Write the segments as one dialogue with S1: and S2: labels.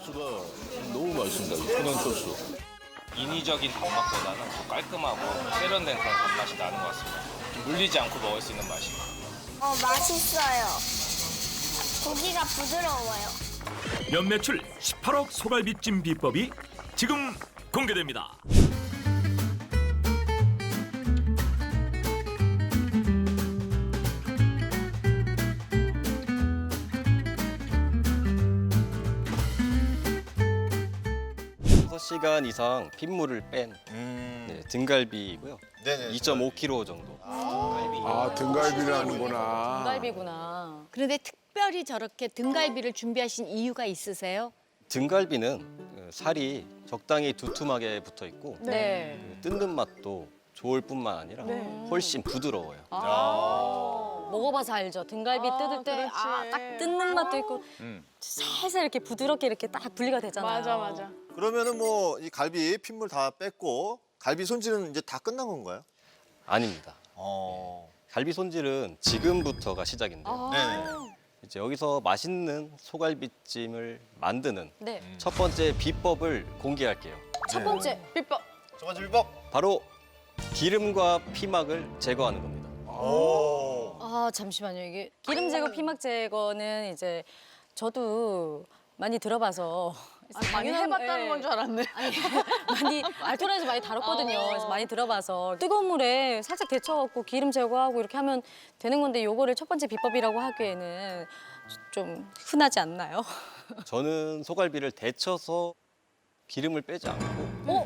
S1: 소스가 너무 맛있습니다. 이 천연 소스.
S2: 인위적인 단맛보다는 더 깔끔하고 세련된 그런 단맛이 나는 것 같습니다. 물리지 않고 먹을 수 있는 맛이.
S3: 맛있어요. 고기가 부드러워요.
S4: 연매출 18억 소갈비찜 비법이 지금 공개됩니다.
S5: 시간 이상 핏물을 뺀 등갈비이고요.
S6: 네네.
S5: 2.5kg 정도.
S1: 아, 등갈비라는구나.
S7: 등갈비구나. 그런데 특별히 저렇게 등갈비를 준비하신 이유가 있으세요?
S5: 등갈비는 살이 적당히 두툼하게 붙어 있고
S7: 네.
S5: 뜯는 맛도 좋을 뿐만 아니라 훨씬 부드러워요.
S8: 먹어봐서 알죠. 등갈비 뜯을 때 딱 뜯는 맛도 있고 살살 이렇게 부드럽게 이렇게 딱 분리가 되잖아요.
S9: 맞아, 맞아.
S6: 그러면은 뭐 이 갈비 핏물 다 뺐고 갈비 손질은 이제 다 끝난 건가요?
S5: 아닙니다. 갈비 손질은 지금부터가 시작인데요.
S6: 네.
S5: 이제 여기서 맛있는 소갈비찜을 만드는
S8: 네.
S5: 첫 번째 비법을 공개할게요.
S8: 첫 번째
S9: 비법.
S6: 첫 번째 비법.
S5: 바로 기름과 피막을 제거하는 겁니다.
S6: 오.
S8: 아 잠시만요. 이게 기름 제거, 피막 제거는 이제 저도 많이 들어봐서
S9: 많이 해봤다는 건 줄 알았네.
S8: 많이 알토란에서 많이 다뤘거든요. 그래서 많이 들어봐서 뜨거운 물에 살짝 데쳐갖고 기름 제거하고 이렇게 하면 되는 건데 요거를 첫 번째 비법이라고 하기에는 좀 흔하지 않나요?
S5: 저는 소갈비를 데쳐서 기름을 빼지 않고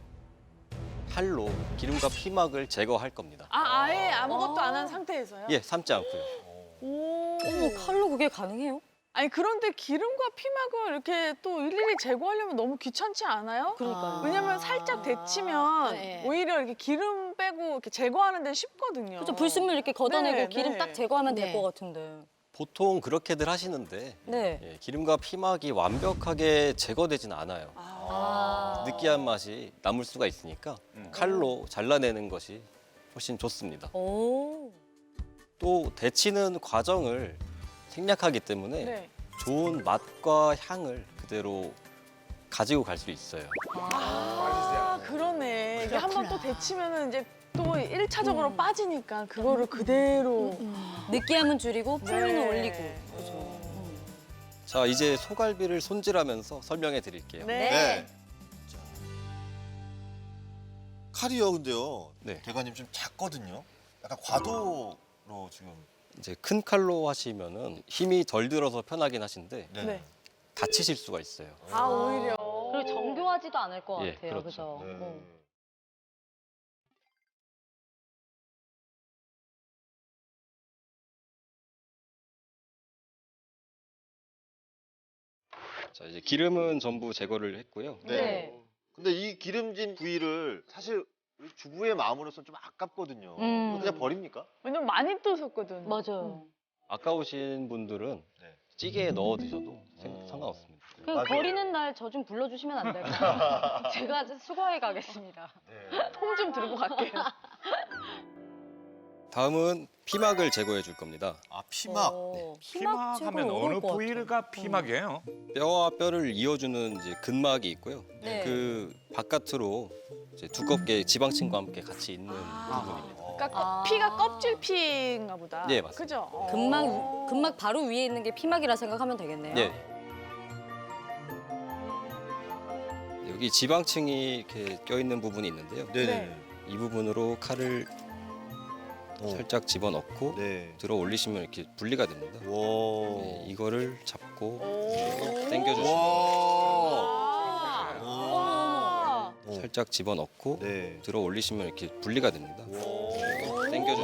S5: 칼로 기름과 피막을 제거할 겁니다.
S9: 아예 아무것도 안 한 상태에서요?
S5: 예, 삶지 않고요.
S8: 어머 칼로 그게 가능해요?
S9: 아니 그런데 기름과 피막을 이렇게 또 일일이 제거하려면 너무 귀찮지 않아요?
S8: 그러니까요.
S9: 왜냐면 살짝 데치면
S7: 네.
S9: 오히려 이렇게 기름 빼고 이렇게 제거하는 데 쉽거든요.
S8: 그렇죠. 불순물 이렇게 걷어내고
S9: 네,
S8: 기름
S9: 네.
S8: 딱 제거하면
S7: 네.
S8: 될 것 같은데.
S5: 보통 그렇게들 하시는데
S8: 네.
S5: 예, 기름과 피막이 완벽하게 제거되진 않아요. 느끼한 맛이 남을 수가 있으니까 칼로 잘라내는 것이 훨씬 좋습니다.
S8: 오.
S5: 또 데치는 과정을 생략하기 때문에
S9: 네.
S5: 좋은 맛과 향을 그대로 가지고 갈 수 있어요.
S9: 그러네. 이게 한 번 또 데치면은 이제 또 1차적으로 빠지니까 그거를 그대로.
S8: 느끼함은 줄이고 풍미는
S9: 네.
S8: 올리고.
S5: 자, 이제 소갈비를 손질하면서 설명해 드릴게요.
S9: 네.
S6: 칼이요, 근데요.
S5: 네.
S6: 대관님 좀 작거든요. 약간 과도로 지금.
S5: 이제 큰 칼로 하시면은 힘이 덜 들어서 편하긴 하신데
S6: 네.
S9: 네.
S5: 다치실 수가 있어요.
S9: 오히려.
S8: 그리고 정교하지도 않을 것
S5: 예,
S8: 같아요.
S5: 그렇죠.
S8: 그죠?
S6: 네.
S5: 자, 이제 기름은 전부 제거를 했고요.
S6: 네. 근데 이 기름진 부위를 사실 우리 주부의 마음으로서 좀 아깝거든요. 이거 그냥 버립니까?
S9: 왜냐면 많이 또 섰거든.
S8: 맞아요.
S5: 아까우신 분들은
S6: 네.
S5: 찌개에 넣어 드셔도 상관없습니다.
S8: 그럼
S6: 맞아요.
S8: 버리는 날 저 좀 불러주시면 안 될까요? 제가 수거해 가겠습니다.
S6: 네.
S9: 통 좀 들고 갈게요.
S5: 다음은 피막을 제거해 줄 겁니다.
S6: 아, 피막.
S8: 피막
S10: 피막하면 어느 부위가 피막이에요?
S5: 뼈와 뼈를 이어주는 이제 근막이 있고요.
S8: 네.
S5: 그 바깥으로 이제 두껍게 지방층과 함께 같이 있는 부분입니다.
S9: 그러니까 피가 껍질 피인가 보다.
S5: 네, 맞습니다.
S9: 그죠?
S8: 근막 바로 위에 있는 게 피막이라 생각하면 되겠네요.
S5: 네. 여기 지방층이 이렇게 껴 있는 부분이 있는데요.
S6: 네네.
S5: 이 부분으로 칼을 살짝 집어 넣고
S6: 네.
S5: 들어 올리시면 이렇게 분리가 됩니다.
S6: 와.
S5: 네, 이거를 잡고
S9: 오.
S5: 당겨주시면
S6: 와.
S9: 와.
S5: 살짝 집어 넣고
S6: 네.
S5: 들어 올리시면 이렇게 분리가 됩니다. 당겨주시면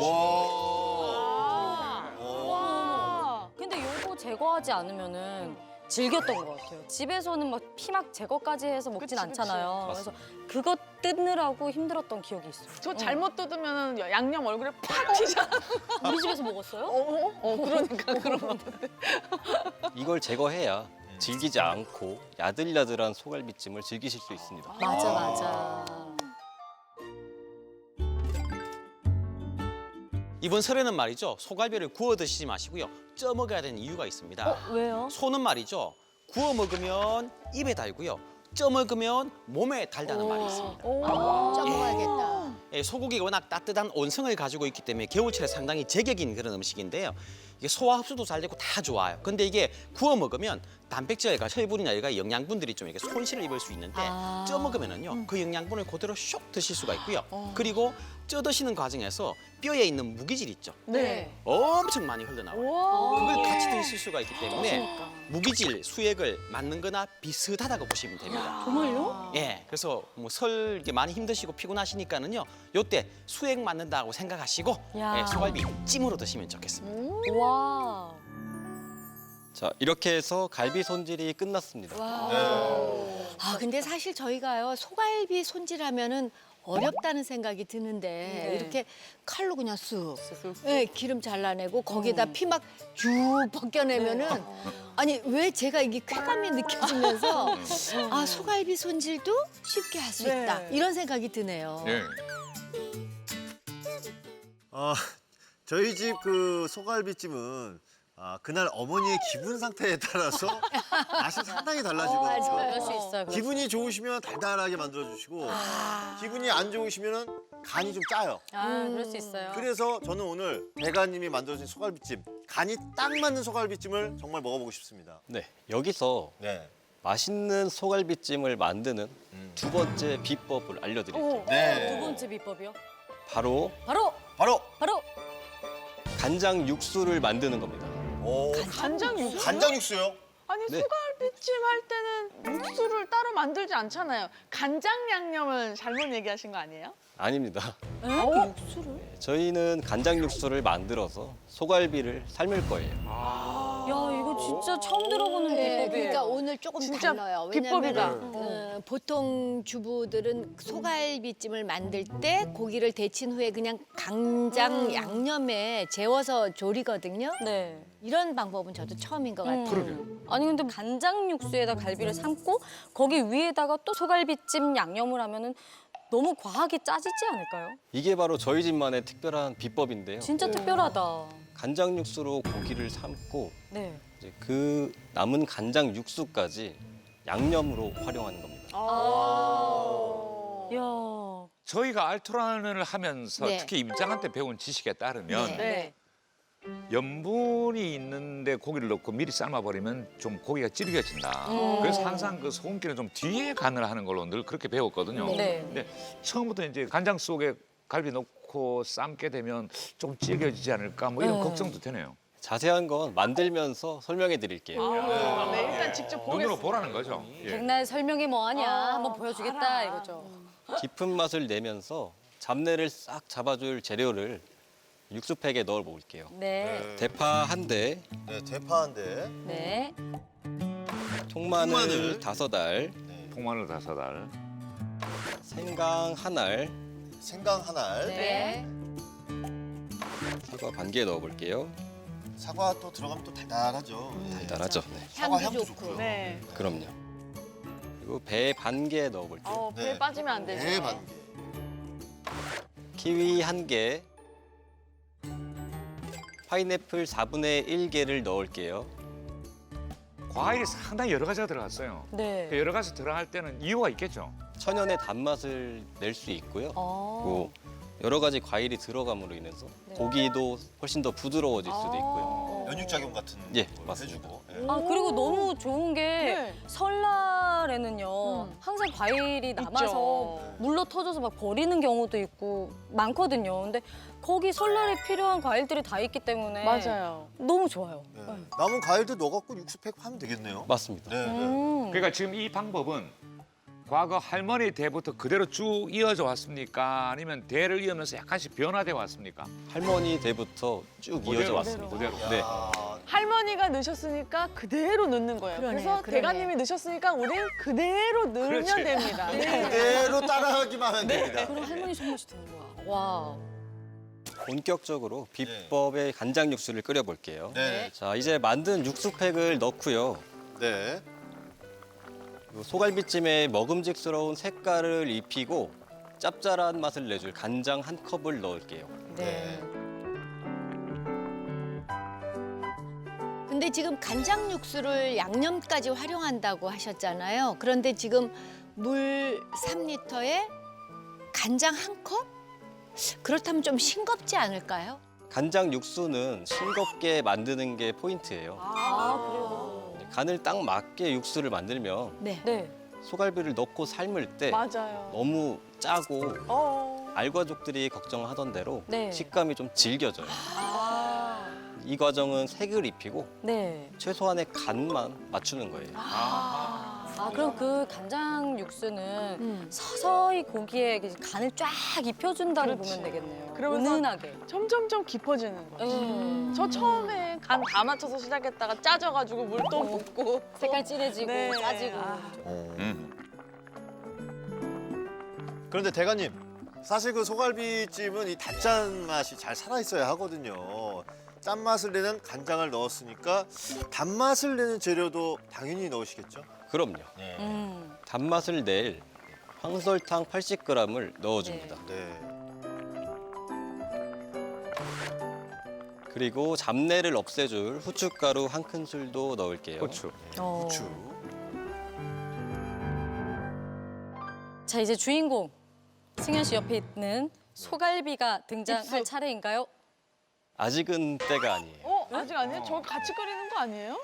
S6: 와.
S9: 와.
S8: 근데 요거 제거하지 않으면은 질겼던 것 같아요. 집에서는 막 피막 제거까지 해서 먹진
S9: 그치,
S8: 않잖아요.
S5: 그치.
S8: 그래서 그거 뜯느라고 힘들었던 기억이 있어요.
S9: 저 잘못 뜯으면 양념 얼굴에 팍 튀잖아.
S8: 우리 집에서 먹었어요?
S9: 그러니까 그런 거.
S5: 이걸 제거해야 질기지 않고 야들야들한 소갈비찜을 즐기실 수 있습니다.
S8: 맞아.
S11: 이번 설에는 말이죠. 소갈비를 구워 드시지 마시고요. 쪄 먹어야 되는 이유가 있습니다.
S8: 왜요?
S11: 소는 말이죠. 구워 먹으면 입에 달고요. 쪄 먹으면 몸에 달다는 말이 있습니다.
S7: 쪄 먹어야겠다.
S11: 예, 소고기가 워낙 따뜻한 온성을 가지고 있기 때문에 겨울철에 상당히 제격인 그런 음식인데요. 이게 소화 흡수도 잘 되고 다 좋아요. 근데 이게 구워 먹으면 단백질과 철분이나 여러 영양분들이 좀 이렇게 손실을 입을 수 있는데 쪄 먹으면은요 그 영양분을 그대로 슉 드실 수가 있고요. 그리고 쪄 드시는 과정에서 뼈에 있는 무기질 있죠.
S9: 네.
S11: 엄청 많이 흘러나와요.
S9: 와.
S11: 그걸 같이 드실 수가 있기 때문에 무기질, 수액을 맞는 거나 비슷하다고 보시면 됩니다.
S8: 정말요?
S11: 예, 그래서 뭐 설 이렇게 많이 힘드시고 피곤하시니까는요, 요때 수액 맞는다고 생각하시고
S8: 야.
S11: 예, 소갈비 찜으로 드시면 좋겠습니다.
S8: 와.
S5: 자, 이렇게 해서 갈비 손질이 끝났습니다.
S7: 아 근데 사실 저희가요 소갈비 손질하면은 어렵다는 생각이 드는데
S8: 네.
S7: 이렇게 칼로 그냥 쓱 네, 기름 잘라내고 거기에다 피 막 쭉 벗겨내면은 아니 왜 제가 이게 쾌감이 느껴지면서 아 소갈비 손질도 쉽게 할 수
S9: 네.
S7: 있다 이런 생각이 드네요.
S1: 예.
S6: 저희 집 그 소갈비찜은 그날 어머니의 기분 상태에 따라서 맛이 상당히 달라지거든요.
S8: 그럴 수 있어요.
S6: 기분이 좋으시면 달달하게 만들어주시고 기분이 안 좋으시면 간이 좀 짜요.
S8: 그럴 수 있어요.
S6: 그래서 저는 오늘 대가님이 만들어준 소갈비찜, 간이 딱 맞는 소갈비찜을 정말 먹어보고 싶습니다.
S5: 네, 여기서
S6: 네.
S5: 맛있는 소갈비찜을 만드는 두 번째 비법을 알려드릴게요.
S6: 네.
S8: 두 번째 비법이요?
S5: 바로
S8: 바로
S6: 바로
S5: 간장 육수를 만드는 겁니다.
S9: 간장 육수?
S6: 간장 육수요?
S9: 아니
S5: 네.
S9: 소갈비찜 할 때는 육수를 따로 만들지 않잖아요. 간장 양념을 잘못 얘기하신 거 아니에요?
S5: 아닙니다.
S8: 육수를?
S5: 저희는 간장 육수를 만들어서 소갈비를 삶을 거예요.
S8: 야, 이거 진짜 처음 들어보는
S7: 네,
S8: 비법이에요.
S7: 그러니까 오늘 조금
S9: 진짜
S7: 달라요.
S9: 비법이다.
S7: 왜냐면 보통 주부들은 소갈비찜을 만들 때 고기를 데친 후에 그냥 간장 양념에 재워서 조리거든요.
S8: 네.
S7: 이런 방법은 저도 처음인 것 같아요.
S8: 아니 근데 간장 육수에다 갈비를 삶고 거기 위에다가 또 소갈비찜 양념을 하면은 너무 과하게 짜지지 않을까요?
S5: 이게 바로 저희 집만의 특별한 비법인데요.
S8: 진짜 특별하다.
S5: 간장 육수로 고기를 삶고
S8: 네.
S5: 이제 그 남은 간장 육수까지 양념으로 활용하는 겁니다.
S8: 야.
S10: 저희가 알토란을 하면서
S7: 네.
S10: 특히 임장한테 배운 지식에 따르면
S9: 네.
S10: 염분이 있는데 고기를 넣고 미리 삶아버리면 좀 고기가 질겨진다. 그래서 항상 그 소금기는 좀 뒤에 간을 하는 걸로 늘 그렇게 배웠거든요.
S8: 네.
S10: 근데 처음부터 이제 간장 속에 갈비 넣고 삶게 되면 좀 질겨지지 않을까 뭐 이런
S8: 네.
S10: 걱정도 되네요.
S5: 자세한 건 만들면서 설명해 드릴게요.
S9: 네, 일단 직접
S10: 눈으로
S9: 보겠습니다.
S10: 보라는 거죠. 예.
S8: 백날 설명이 뭐하냐 한번 보여주겠다 이거죠.
S5: 깊은 맛을 내면서 잡내를 싹 잡아줄 재료를 육수팩에 넣어 볼게요.
S8: 네.
S5: 대파 한 대,
S6: 네, 대파인데.
S8: 네.
S5: 통마늘 5알,
S10: 통마늘 5알.
S5: 생강 한 알,
S6: 생강 한 알.
S8: 네.
S5: 사과 반 개 넣어 볼게요.
S6: 사과 또 들어가면 또 달달하죠.
S5: 달달하죠? 네.
S6: 사과
S7: 향도
S6: 향도
S7: 좋고.
S6: 좋고요.
S9: 네.
S5: 그럼요. 그리고 배 반 개 넣어 볼게요.
S9: 배에 빠지면 안 되죠.
S6: 네, 반 개.
S5: 키위 한 개, 파인애플 4분의 1개를 넣을게요.
S10: 과일이 상당히 여러 가지가 들어갔어요.
S8: 네.
S10: 그 여러 가지 들어갈 때는 이유가 있겠죠.
S5: 천연의 단맛을 낼 수 있고요.
S8: 어.
S5: 그리고 여러 가지 과일이 들어감으로 인해서 고기도 훨씬 더 부드러워질 수도 있고요.
S6: 연육작용 같은
S5: 예,
S6: 걸
S5: 맞습니다.
S6: 해주고. 예.
S8: 아 그리고 너무 좋은 게
S9: 네.
S8: 설날에는요 항상 과일이 남아서 물러 터져서 막 버리는 경우도 있고 많거든요. 근데 거기 설날에 필요한 과일들이 다 있기 때문에
S9: 맞아요.
S8: 너무 좋아요.
S6: 네. 남은 과일도 넣어갖고 육수팩 하면 되겠네요.
S5: 맞습니다.
S6: 네, 네.
S10: 그러니까 지금 이 방법은 과거 할머니 때부터 그대로 쭉 이어져 왔습니까? 아니면 대를 이으면서 약간씩 변화돼 왔습니까?
S5: 할머니 때부터 쭉 이어져 왔습니다.
S10: 그대로.
S5: 네.
S9: 할머니가 넣으셨으니까 그대로 넣는 거예요.
S7: 그러네,
S9: 그래서
S7: 그러네.
S9: 대가님이 넣으셨으니까 우린 그대로 넣으면
S10: 그렇지.
S9: 됩니다.
S6: 그대로 따라하기만 하면 됩니다.
S8: 그럼 할머니 손맛이 되는 거야. 와.
S5: 본격적으로 비법의 간장 육수를 끓여 볼게요.
S6: 네.
S5: 자, 이제 만든 육수팩을 넣고요.
S6: 네.
S5: 소갈비찜에 먹음직스러운 색깔을 입히고 짭짤한 맛을 내줄 간장 한 컵을 넣을게요.
S7: 네. 근데 지금 간장 육수를 양념까지 활용한다고 하셨잖아요. 그런데 지금 물 3리터에 간장 1컵? 그렇다면 좀 싱겁지 않을까요?
S5: 간장 육수는 싱겁게 만드는 게 포인트예요.
S8: 그래요?
S5: 간을 딱 맞게 육수를 만들면
S7: 네.
S8: 네.
S5: 소갈비를 넣고 삶을 때
S9: 맞아요.
S5: 너무 짜고
S9: 어.
S5: 알과족들이 걱정하던 대로
S8: 네.
S5: 식감이 좀 질겨져요. 이 과정은 색을 입히고
S8: 네.
S5: 최소한의 간만 맞추는 거예요.
S8: 그럼 그 간장 육수는 서서히 고기에 간을 쫙 입혀준다고
S9: 그렇지.
S8: 보면 되겠네요.
S9: 그러면서
S8: 은은하게.
S9: 점점점 깊어지는 거죠. 저 처음에 간 다 맞춰서 시작했다가 짜져가지고 물 또 붓고
S8: 색깔 진해지고
S9: 네.
S8: 짜지고.
S6: 그런데 대가님, 사실 그 소갈비찜은 이 단짠 맛이 잘 살아 있어야 하거든요. 짠맛을 내는 간장을 넣었으니까 단맛을 내는 재료도 당연히 넣으시겠죠?
S5: 그럼요.
S6: 네.
S5: 단맛을 낼 황설탕 80g을 넣어줍니다.
S6: 네.
S5: 그리고 잡내를 없애줄 후춧가루 1큰술도 넣을게요.
S10: 고추.
S6: 후추.
S8: 자, 이제 주인공 승현 씨 옆에 있는 소갈비가 등장할
S9: 입수.
S8: 차례인가요?
S5: 아직은 때가 아니에요.
S9: 아직 아니에요? 저 같이 끓이는 거 아니에요?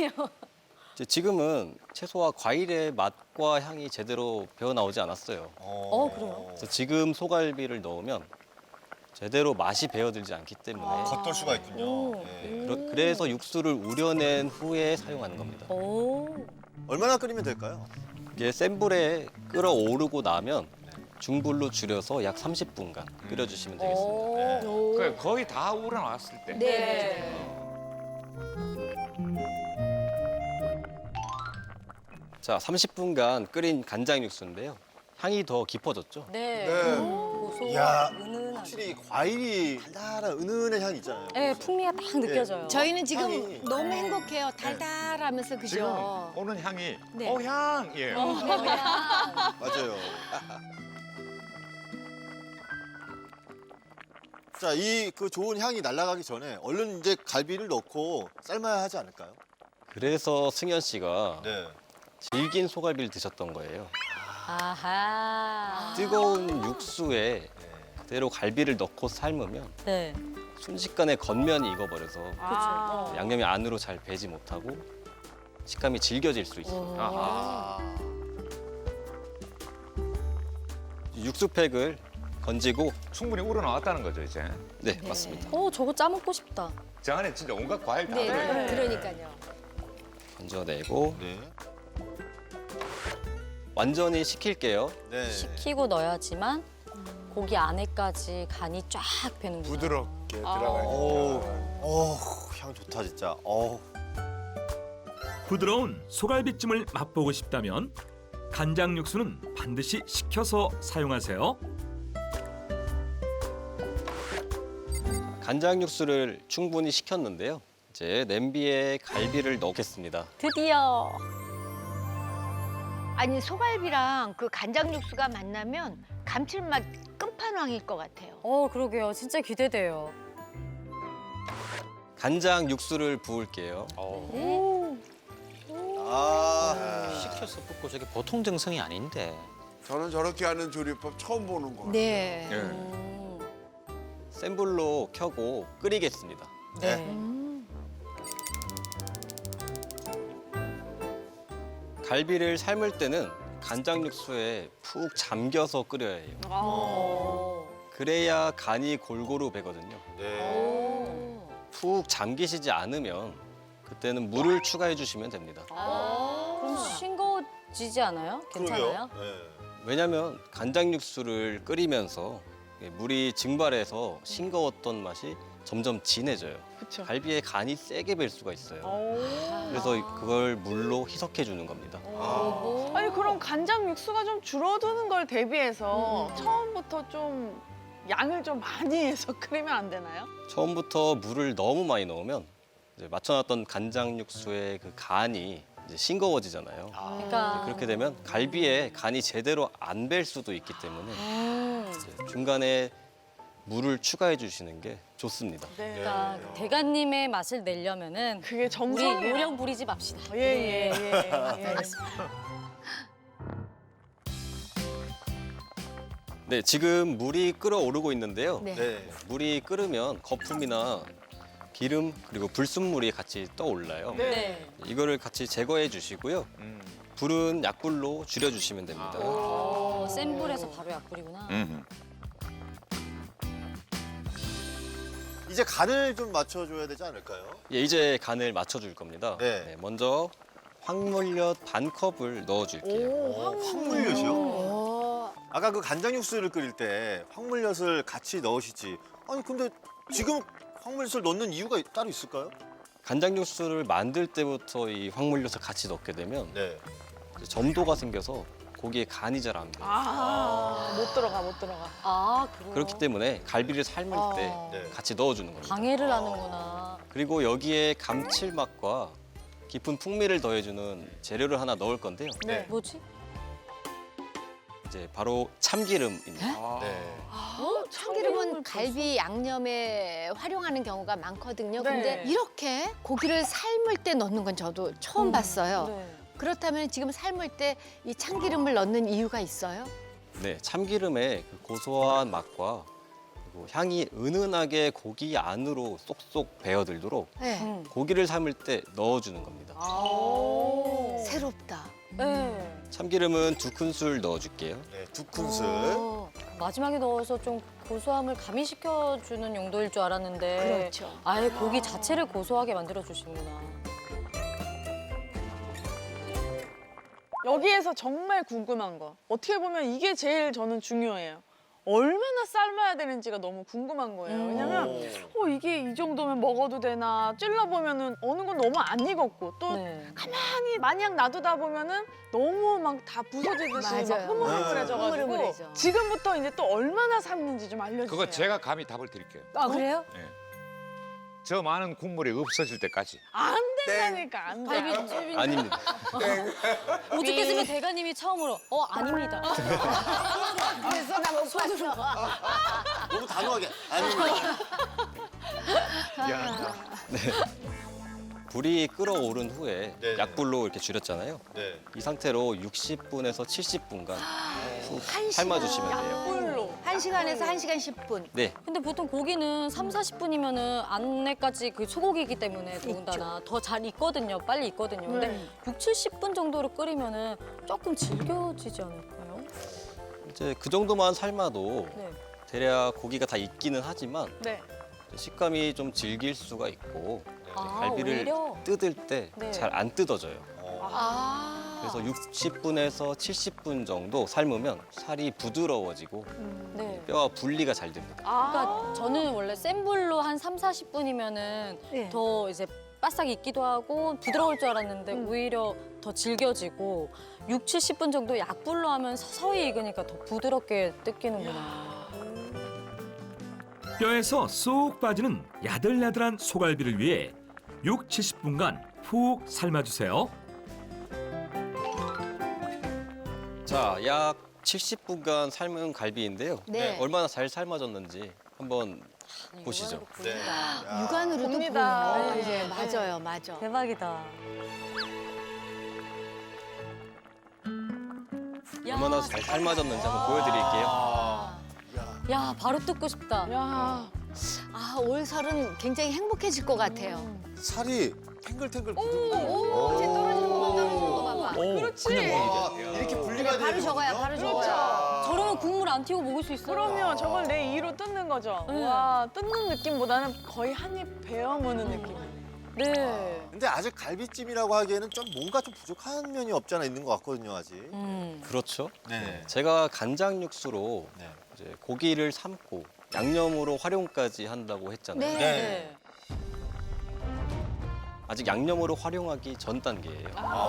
S5: 지금은 채소와 과일의 맛과 향이 제대로 배어 나오지 않았어요.
S8: 그래요?
S5: 그래서 지금 소갈비를 넣으면 제대로 맛이 배어들지 않기 때문에
S6: 겉돌 수가 있군요. 네.
S5: 그래서 육수를 우려낸 후에 사용하는 겁니다.
S6: 얼마나 끓이면 될까요?
S5: 이게 센 불에 끓어오르고 나면 중불로 줄여서 약 30분간 끓여주시면 되겠습니다.
S10: 그 거의 다 우러나왔을 때.
S8: 네.
S5: 자, 30분간 끓인 간장 육수인데요. 향이 더 깊어졌죠?
S8: 네.
S6: 네.
S8: 고소하고
S6: 이야,
S8: 은은하게.
S6: 확실히 과일이 달달한 은은한 향이 있잖아요.
S8: 네, 풍미가 딱 느껴져요.
S7: 저희는 지금
S6: 향이.
S7: 너무 행복해요. 달달하면서 그죠?
S10: 지금 오는 향이
S7: 네.
S10: 향이에요.
S6: 맞아요. 자, 이 그 좋은 향이 날아가기 전에 얼른 이제 갈비를 넣고 삶아야 하지 않을까요?
S5: 그래서 승현 씨가
S6: 네.
S5: 질긴 소갈비를 드셨던 거예요.
S8: 아하.
S5: 뜨거운 육수에 그대로 갈비를 넣고 삶으면
S8: 네.
S5: 순식간에 겉면이 익어버려서
S8: 그렇죠.
S5: 양념이 안으로 잘 배지 못하고 식감이 질겨질 수 있어요.
S6: 아.
S5: 육수팩을 건지고
S10: 충분히 우러나왔다는 거죠, 이제.
S5: 네, 맞습니다.
S8: 저거 짜먹고 싶다.
S10: 저 안에 진짜 온갖 과일 다
S7: 네,
S10: 들어있어요.
S7: 그러니까요.
S5: 건져내고
S6: 네.
S5: 완전히 식힐게요.
S6: 네.
S8: 식히고 넣어야지만 고기 안에까지 간이 쫙 배는구나.
S1: 부드럽게 들어가야
S6: 어우,
S1: 돼.
S6: 향 좋다 진짜. 어우.
S4: 부드러운 소갈비찜을 맛보고 싶다면 간장 육수는 반드시 식혀서 사용하세요.
S5: 간장 육수를 충분히 식혔는데요. 이제 냄비에 갈비를 넣겠습니다.
S8: 드디어.
S7: 아니 소갈비랑 그 간장 육수가 만나면 감칠맛 끝판왕일 것 같아요.
S8: 그러게요. 진짜 기대돼요.
S5: 간장 육수를 부을게요.
S6: 아.
S11: 식혀서 붓고 저게 보통 정성이 아닌데.
S1: 저는 저렇게 하는 조리법 처음 보는 거 같아요.
S7: 네.
S5: 센 불로 켜고 끓이겠습니다.
S6: 네.
S5: 갈비를 삶을 때는 간장 육수에 푹 잠겨서 끓여야 해요. 그래야 간이 골고루 배거든요.
S6: 네.
S5: 푹 잠기시지 않으면 그때는 물을 추가해 주시면 됩니다.
S8: 그럼 싱거워지지 않아요? 괜찮아요?
S6: 그러게요. 네.
S5: 왜냐하면 간장 육수를 끓이면서 물이 증발해서 싱거웠던 맛이 점점 진해져요.
S9: 그쵸.
S5: 갈비에 간이 세게 벨 수가 있어요.
S9: 오.
S5: 그래서 그걸 물로 희석해 주는 겁니다.
S9: 아니 그럼 간장 육수가 좀 줄어드는 걸 대비해서 처음부터 좀 양을 좀 많이 해서 끓이면 안 되나요?
S5: 처음부터 물을 너무 많이 넣으면 이제 맞춰놨던 간장 육수의 그 간이 이제 싱거워지잖아요.
S8: 그러니까
S5: 그렇게 되면 갈비에 간이 제대로 안 벨 수도 있기 때문에 이제 중간에 물을 추가해 주시는 게 좋습니다.
S8: 그러니까 대가님의 맛을 내려면은
S9: 그게
S8: 우리
S9: 정성이에요.
S8: 요령 부리지 맙시다.
S9: 예.
S5: 네, 지금 물이 끓어오르고 있는데요.
S7: 네.
S6: 네.
S5: 물이 끓으면 거품이나 기름 그리고 불순물이 같이 떠올라요.
S8: 네.
S5: 이거를 같이 제거해 주시고요. 불은 약불로 줄여주시면 됩니다.
S8: 센 불에서 바로 약불이구나.
S6: 이제 간을 좀 맞춰줘야 되지 않을까요?
S5: 예, 이제 간을 맞춰줄 겁니다.
S6: 네.
S5: 네, 먼저 황물엿 반 컵을 넣어줄게요.
S6: 황물엿이요? 아까 그 간장 육수를 끓일 때 황물엿을 같이 넣으시지. 아니 근데 지금 황물엿을 넣는 이유가 따로 있을까요?
S5: 간장 육수를 만들 때부터 이 황물엿을 같이 넣게 되면
S6: 네.
S5: 이제 점도가 생겨서 고기에 간이 잘 안 배요.
S9: 못 들어가.
S8: 아, 그래요?
S5: 그렇기 때문에 갈비를 삶을 때
S6: 네.
S5: 같이 넣어주는 겁니다.
S8: 방해를 하는구나.
S5: 그리고 여기에 감칠맛과 깊은 풍미를 더해주는 재료를 하나 넣을 건데요.
S6: 네.
S8: 뭐지?
S5: 이제 바로 참기름입니다.
S6: 네.
S7: 참기름은 갈비 양념에 활용하는 경우가 많거든요.
S9: 네.
S7: 근데 이렇게 고기를 삶을 때 넣는 건 저도 처음 봤어요.
S8: 네.
S7: 그렇다면 지금 삶을 때 이 참기름을 넣는 이유가 있어요?
S5: 네, 참기름의 그 고소한 맛과 그리고 향이 은은하게 고기 안으로 쏙쏙 배어들도록
S7: 네.
S5: 고기를 삶을 때 넣어주는 겁니다.
S7: 새롭다.
S8: 네.
S5: 참기름은 2큰술 넣어줄게요.
S6: 네, 2큰술.
S8: 마지막에 넣어서 좀 고소함을 가미시켜주는 용도일 줄 알았는데
S7: 그렇죠.
S8: 아예 고기 자체를 고소하게 만들어주시는구나.
S9: 여기에서 정말 궁금한 거. 어떻게 보면 이게 제일 저는 중요해요. 얼마나 삶아야 되는지가 너무 궁금한 거예요. 왜냐면 이게 이 정도면 먹어도 되나 찔러보면은 어느 건 너무 안 익었고 또
S8: 네.
S9: 가만히 마냥 놔두다 보면은 너무 막 다 부서지듯이 막
S7: 맞아요.
S9: 흐물흐물해져가지고
S7: 흐물흐물해져.
S9: 지금부터 이제 또 얼마나 삶는지 좀 알려주세요.
S10: 그거 제가 감히 답을 드릴게요.
S8: 아, 그래요?
S10: 저 많은 국물이 없어질 때까지.
S9: 안 된다니까 안 돼.
S8: 갈비찜이
S5: 아닙니다.
S8: 오죽했으면 대가님이 처음으로 아닙니다.
S7: 그래서 나 못 봤어.
S6: 너무 단호하게. 아닙니다.
S10: 미안하다.
S5: 불이 끓어오른 후에
S6: 네.
S5: 약불로 이렇게 줄였잖아요.
S6: 네.
S5: 이 상태로 60분에서 70분간 푹
S7: 한
S5: 삶아주시면
S7: 시간.
S5: 돼요.
S9: 꿀로.
S7: 1시간에서 1시간 10분.
S5: 네,
S8: 근데 보통 고기는 3, 40분이면은 안내까지 그 소고기이기 때문에 더군다나 더 잘 익거든요. 빨리 익거든요. 근데
S9: 네.
S8: 6, 70분 정도로 끓이면은 조금 질겨지지 않을까요?
S5: 이제 그 정도만 삶아도
S8: 네.
S5: 대략 고기가 다 익기는 하지만
S9: 네.
S5: 식감이 좀 질길 수가 있고
S8: 아,
S5: 갈비를
S8: 오히려?
S5: 뜯을 때
S8: 네.
S5: 잘 안 뜯어져요.
S7: 아.
S5: 그래서 60분에서 70분 정도 삶으면 살이 부드러워지고
S8: 네.
S5: 뼈와 분리가 잘 됩니다.
S8: 그러니까 저는 원래 센 불로 한 3, 40분이면은
S7: 네.
S8: 더 이제 바싹 익기도 하고 부드러울 줄 알았는데 오히려 더 질겨지고 6, 70분 정도 약불로 하면 서서히 익으니까 더 부드럽게 뜯기는구나.
S4: 뼈에서 쏙 빠지는 야들야들한 소갈비를 위해 6, 70분간 푹 삶아주세요.
S5: 자, 약 70분간 삶은 갈비인데요.
S7: 네.
S5: 얼마나 잘 삶아졌는지 한번 보시죠.
S6: 네. 야.
S7: 육안으로도
S9: 봅니다.
S7: 보여요.
S9: 네.
S7: 이제 맞아요, 맞아.
S8: 대박이다.
S5: 얼마나 잘 삶아졌는지 한번 보여드릴게요.
S8: 야, 바로 뜯고 싶다.
S9: 야.
S7: 아, 올설은 굉장히 행복해질 것 같아요.
S6: 살이 탱글탱글
S7: 오,
S6: 부들부들.
S7: 이제 떨어지는 거 떨어지는 거 봐봐.
S9: 그렇지.
S6: 이렇게 분리가 되는
S7: 바로 적어야, 바로 적어야.
S8: 저러면 국물 안 튀고 먹을 수 있어요.
S9: 그러면 저걸 내 이로 뜯는 거죠.
S8: 네.
S9: 와, 뜯는 느낌보다는 거의 한 입 베어 무는 느낌이네.
S8: 네.
S6: 근데 아직 갈비찜이라고 하기에는 좀 뭔가 좀 부족한 면이 없지 않아 있는 것 같거든요, 아직.
S5: 그렇죠.
S6: 네.
S5: 제가 간장 육수로
S6: 네.
S5: 이제 고기를 삶고 양념으로 활용까지 한다고 했잖아요.
S7: 네.
S8: 네.
S5: 아직 양념으로 활용하기 전 단계예요.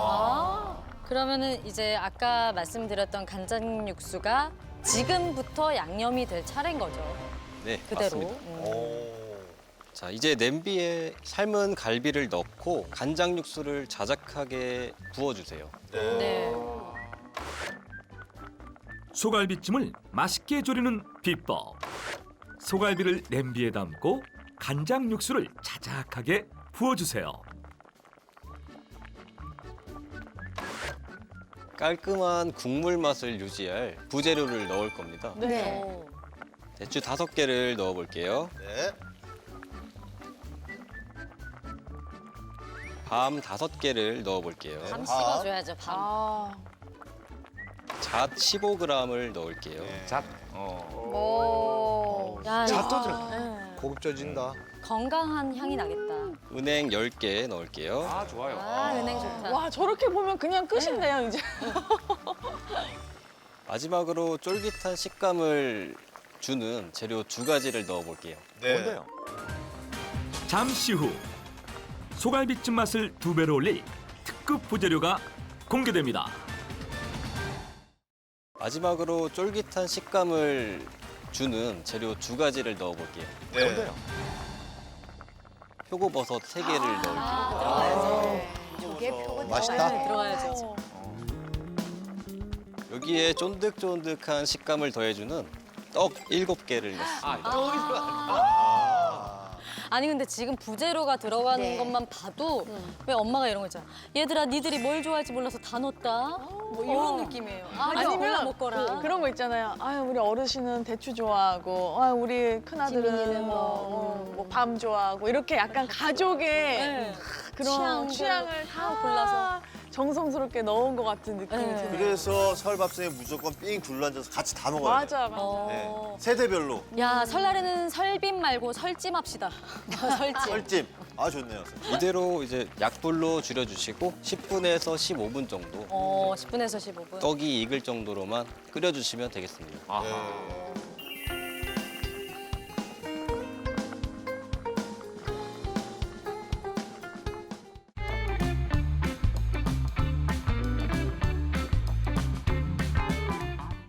S8: 그러면은 이제 아까 말씀드렸던 간장 육수가 지금부터 양념이 될 차례인 거죠.
S5: 네,
S8: 그대로.
S5: 맞습니다. 자, 이제 냄비에 삶은 갈비를 넣고 간장 육수를 자작하게 부어주세요.
S8: 네.
S4: 소갈비찜을 맛있게 조리는 비법. 소갈비를 냄비에 담고 간장 육수를 자작하게 부어주세요.
S5: 깔끔한 국물 맛을 유지할 부재료를 넣을 겁니다.
S7: 네.
S5: 대추 5개를 넣어볼게요.
S6: 네.
S5: 밤 5개를 넣어볼게요.
S8: 밤 씹어줘야죠, 밤.
S9: 아,
S5: 잣 15g을 넣을게요.
S10: 잣.
S8: 야,
S1: 잣도
S8: 이거
S1: 들어가. 고급져진다.
S8: 건강한 향이 나겠다.
S5: 은행 10개 넣을게요.
S10: 아, 좋아요.
S8: 아, 은행 좋다.
S9: 와 저렇게 보면 그냥 끝인데요 이제.
S5: 마지막으로 쫄깃한 식감을 주는 재료 2가지를 넣어볼게요.
S6: 네.
S10: 뭔데요?
S4: 잠시 후 소갈비찜 맛을 2배로 올릴 특급 부재료가 공개됩니다.
S5: 마지막으로 쫄깃한 식감을 주는 재료 2가지를 넣어볼게요.
S6: 네.
S10: 뭔데요?
S5: 표고버섯 3개를 넣을게요.
S7: 이게 표고
S6: 맛있다.
S8: 네, 들어가야죠.
S5: 여기에 쫀득쫀득한 식감을 더해주는 떡 7개를 넣습니다.
S8: 아니 근데 지금 부재료가 들어가는
S7: 네.
S8: 것만 봐도 왜 엄마가 이런 거 있잖아. 얘들아 니들이 뭘 좋아할지 몰라서 다 넣었다. 뭐 이런 느낌이에요. 아니면 먹거라.
S9: 그런 거 있잖아요. 아유 우리 어르신은 대추 좋아하고, 아유 우리 큰아들은
S7: 지민이는
S9: 뭐밤 좋아하고 이렇게 약간 가족의
S8: 네.
S9: 그런
S8: 취향들
S9: 취향을 다
S8: 골라서.
S9: 정성스럽게 넣은 것 같은 느낌이
S8: 네.
S9: 드네요.
S6: 그래서 설밥상에 무조건 삥 둘러앉아서 같이 다 먹어야 돼요.
S9: 맞아 맞아.
S8: 어.
S6: 네. 세대별로.
S8: 야 설날에는 설빔 말고 설찜 합시다. 설찜.
S6: 썰찜. 아 좋네요.
S5: 이대로 이제 약불로 줄여주시고 10분에서 15분 정도
S8: 10분에서 15분.
S5: 떡이 익을 정도로만 끓여주시면 되겠습니다.
S10: 아하.
S6: 네.